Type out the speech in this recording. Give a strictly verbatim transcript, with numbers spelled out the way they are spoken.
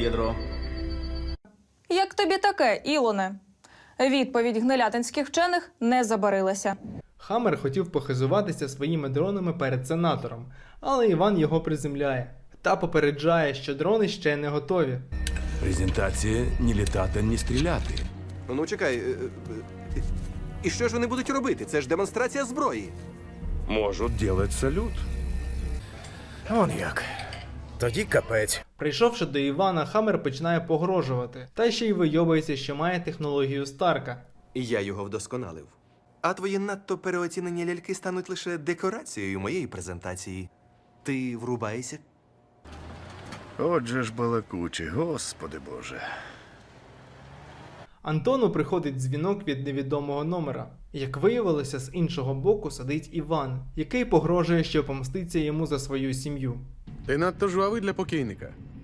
ядро. Як тобі таке, Ілоне? Відповідь гнилятинських вчених не забарилася. Хаммер хотів похизуватися своїми дронами перед сенатором, але Іван його приземляє та попереджає, що дрони ще не готові. Презентація ні літати, ні стріляти. Ну, чекай. е, е, І що ж вони будуть робити? Це ж демонстрація зброї. Можуть делать салют. Он як. Тоді капець. Прийшовши до Івана, Хаммер починає погрожувати, та ще й вийобується, що має технологію Старка. І я його вдосконалив. А твої надто переоцінені ляльки стануть лише декорацією моєї презентації. Ти врубаєшся? Отже ж балакучі, господи боже. Антону приходить дзвінок від невідомого номера. Як виявилося, з іншого боку сидить Іван, який погрожує, що помститься йому за свою сім'ю. Ти надто жвавий для покійника.